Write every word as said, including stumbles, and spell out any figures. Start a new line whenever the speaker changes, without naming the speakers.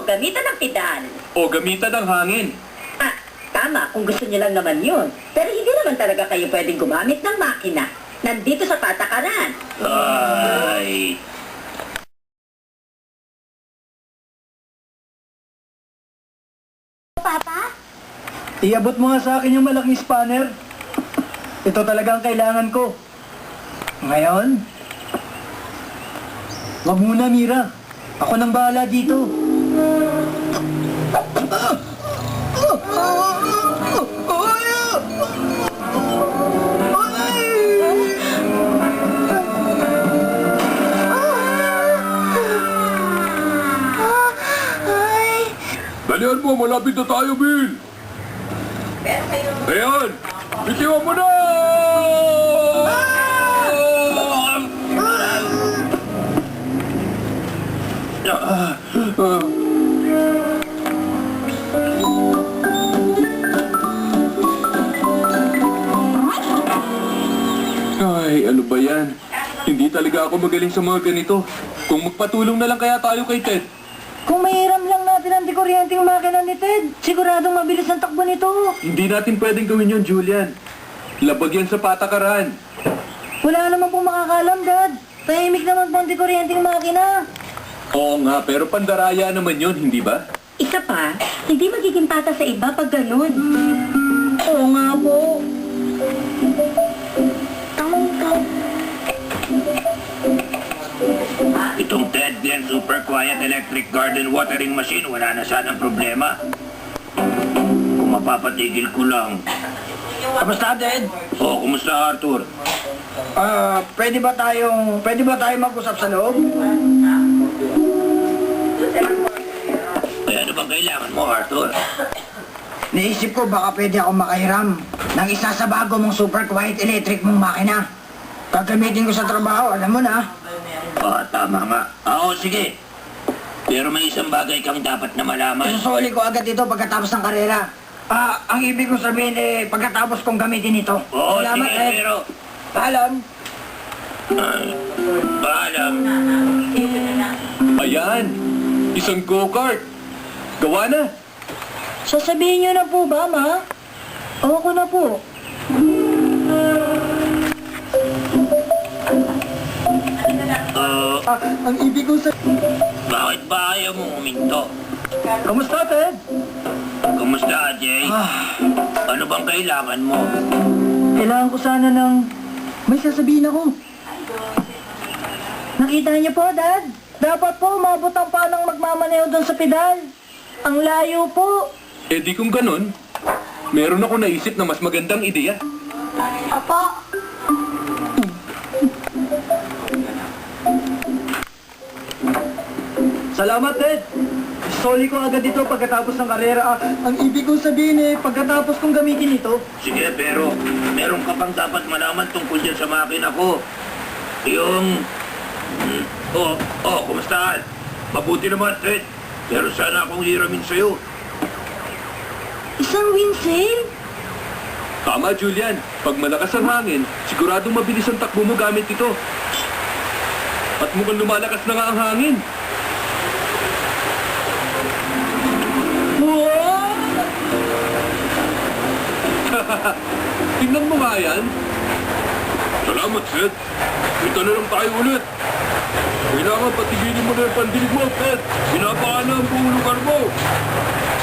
gamitan ng pedal.
O gamitan ng hangin.
Ah, tama kung gusto niyo lang naman yun. Pero hindi naman talaga kayo pwedeng gumamit ng makina. Nandito sa patakaran.
Ay...
Papa?
Iabot mo nga sa akin yung malaking spanner. Ito talaga ang kailangan ko. Ngayon, wag muna, Mira. Ako nang bahala dito.
Dalihan mo, malapit na tayo, Bill! Ayan! Bitiwan mo na! Ah, ah. Ay, ano ba yan? Hindi talaga ako magaling sa mga ganito. Kung magpatulong na lang kaya tayo kay Ted.
Kung mahiram lang natin ang dikuryenteng makina ni Ted, siguradong mabilis ang takbo nito.
Hindi natin pwedeng gawin yun, Julian. Labag yan sa patakaran.
Wala naman pong makakalam, Dad. Tahimik naman po ang dikuryenteng makina.
Oo nga, pero pandaraya naman yun, hindi ba?
Isa pa, hindi magiging pata sa iba pag ganun.
Oo nga po.
Itong Ted Glen Super Quiet Electric Garden Watering Machine, wala na sanang problema. Kung mapapatigil ko lang.
Kamusta, Ted?
Oh, kumusta Arthur?
Ah, pwede ba tayong, pwede ba tayong mag-usap sa loob?
Ay, ano bang kailangan mo, Arthur?
Naisip ko baka pwede ako makahiram ng isa sa bago mong super quiet electric mong makina. Gagamitin ko sa trabaho, alam mo na.
Oh, tama nga. Oo, sige. Pero may isang bagay kang dapat na malaman.
Isusuli ko agad ito pagkatapos ng karera. Ah, ang ibig kong sabihin eh, pagkatapos kong gamitin ito.
Oo,
Salamat,
sige,
Ted.
pero...
Paalam.
Ay, paalam.
Ayan! Isang go-kart! Gawa na!
Sasabihin niyo na po ba, Ma? O ako na po.
Uh,
Ah, ang ibig kong sabihin...
bakit ba ayaw mo huminto?
Kamusta, Ted?
Kumusta, Jay?
Ah,
Ano bang kailangan mo?
kailangan ko sana ng... May sasabihin ako. Nakita niyo po, Dad? Dapat po umabot ang panang magmamaneho doon sa pedal. Ang layo po.
Eh di kung ganun, meron ako naisip na mas magandang ideya.
Apa? Salamat, Ted. Soli ko agad ito pagkatapos ng karera. Ah, ang ibig kong sabihin eh, pagkatapos kong gamitin ito.
Sige, pero meron ka pang dapat malaman tungkol dyan sa makina ko. Yung... Hmm, oh, oh, kumusta? Mabuti naman, Ted. Pero sana akong hiramin sa'yo.
Isang windsale?
Tama, Julian. Pag malakas ang hangin, siguradong mabilis ang takbo mo gamit ito. At mukhang lumalakas na nga ang hangin.
Wow!
Tingnan mo nga yan. Salamat, Seth. Kita na lang tayo ulit. Kailangan patigilin mo na yung pandinig mo, Seth. Pinapakana ang buong lugar mo.